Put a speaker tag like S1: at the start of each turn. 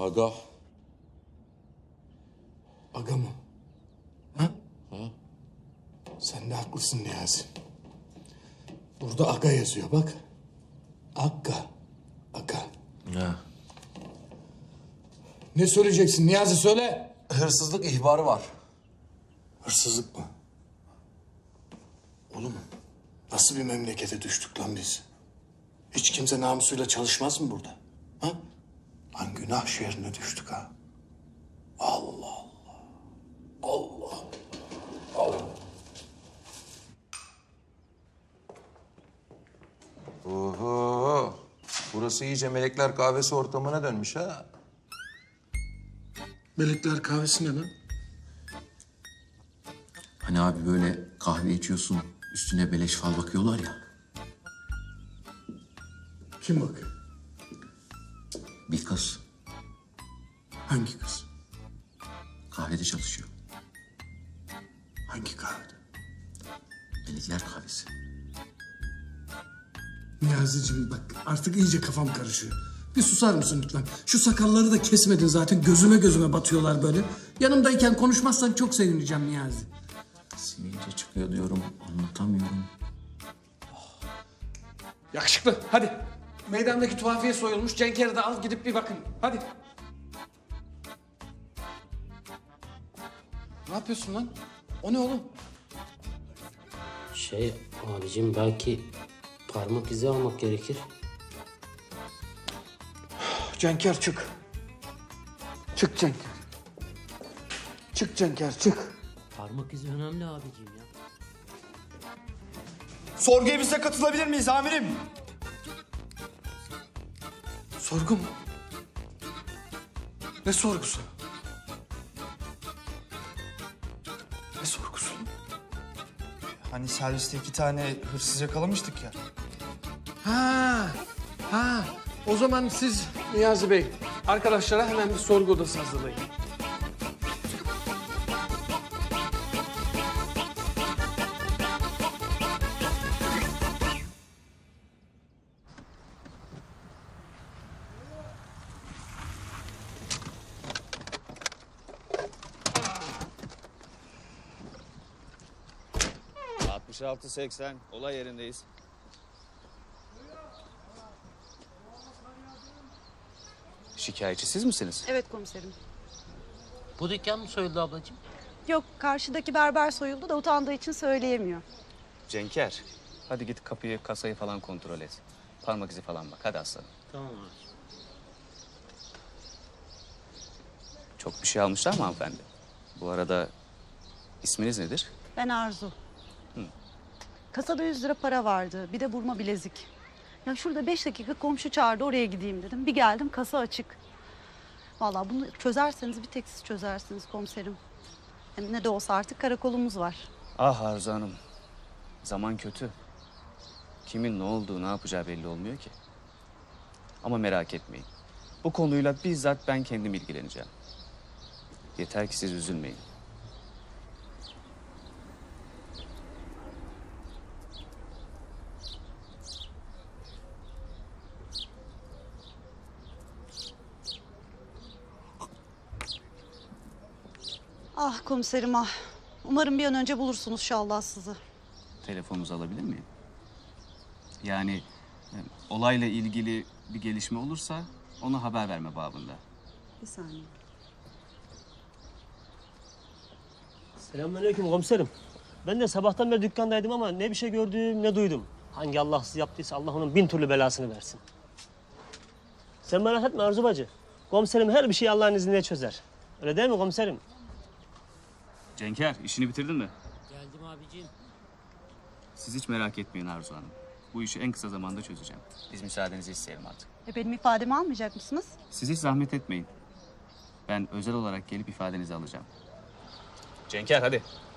S1: Aga.
S2: Aga mı? Ha? Sen de haklısın Niyazi. Burada aga yazıyor bak. Aga. Aga.
S1: Ya.
S2: Ne söyleyeceksin Niyazi söyle.
S1: Hırsızlık ihbarı var.
S2: Hırsızlık mı? Oğlum nasıl bir memlekete düştük lan biz? Hiç kimse namusuyla çalışmaz mı burada? Ha? Lan günah şehrine düştük ha. Allah Allah. Allah Allah.
S1: Oho. Burası iyice melekler kahvesi ortamına dönmüş ha.
S2: Melekler kahvesi ne lan?
S3: Hani abi böyle kahve içiyorsun, üstüne beleş fal bakıyorlar ya.
S2: Kim bakıyor?
S3: Bir kız
S2: Hangi kız?
S3: kahvede çalışıyor.
S2: Hangi kahvede?
S3: Melekler kahvesi.
S2: Niyazi'cim bak artık iyice kafam karışıyor. Bir susar mısın lütfen? Şu sakalları da kesmedin zaten. Gözüme batıyorlar böyle. Yanımdayken konuşmazsan çok sevineceğim Niyazi.
S3: Sivilce çıkıyor diyorum, anlatamıyorum.
S2: Yakışıklı hadi. Meydandaki tuhafiye soyulmuş. Cenk'eri de al gidip bir bakın. Hadi. Ne yapıyorsun lan? O ne oğlum?
S4: Abicim belki parmak izi almak gerekir.
S2: Cenker çık. Çık Cenker. Çık Cenker çık.
S4: Parmak izi önemli abicim ya.
S5: Sorgu evimize katılabilir miyiz amirim?
S2: Sorgu mu? Ne sorgusu? Ne sorgusu?
S5: Hani serviste 2 tane hırsız yakalamıştık ya.
S2: Ha. O zaman siz Niyazi Bey arkadaşlara hemen bir sorgu odası hazırlayın.
S6: Altmış 80 olay yerindeyiz. Şikayetçi siz misiniz?
S7: Evet komiserim.
S4: Bu dükkan mı soyuldu ablacığım?
S7: Yok karşıdaki berber soyuldu da utandığı için söyleyemiyor.
S6: Cenker, hadi git kapıyı, kasayı falan kontrol et. Parmak izi falan bak, hadi aslanım.
S4: Tamam abi.
S6: Çok bir şey almışlar mı hanımefendi? Bu arada isminiz nedir?
S7: Ben Arzu. Kasada 100 lira para vardı. Bir de burma bilezik. Ya şurada 5 dakika komşu çağırdı oraya gideyim dedim. Bir geldim kasa açık. Vallahi bunu çözerseniz bir tek siz çözersiniz komiserim. Hem ne de olsa artık karakolumuz var.
S6: Ah Arzu Hanım, zaman kötü. Kimin ne olduğu, ne yapacağı belli olmuyor ki. Ama merak etmeyin. Bu konuyla bizzat ben kendim ilgileneceğim. Yeter ki siz üzülmeyin.
S7: Ah komiserim ah. Umarım bir an önce bulursunuz şu Allahsızı.
S6: Telefonunuzu alabilir miyim? Yani olayla ilgili bir gelişme olursa ona haber verme babında.
S7: Bir saniye.
S8: Selamünaleyküm komiserim. Ben de sabahtan beri dükkandaydım ama ne bir şey gördüm ne duydum. Hangi Allahsız yaptıysa Allah onun 1000 türlü belasını versin. Sen merak etme Arzu bacı. Komiserim her bir şeyi Allah'ın izniyle çözer. Öyle değil mi komiserim?
S6: Cenker, işini bitirdin mi?
S4: Geldim abicim.
S6: Siz hiç merak etmeyin Arzu Hanım. Bu işi en kısa zamanda çözeceğim. Biz müsaadenizi isteyelim artık.
S7: Benim ifademi almayacak mısınız?
S6: Siz hiç zahmet etmeyin. Ben özel olarak gelip ifadenizi alacağım. Cenker hadi.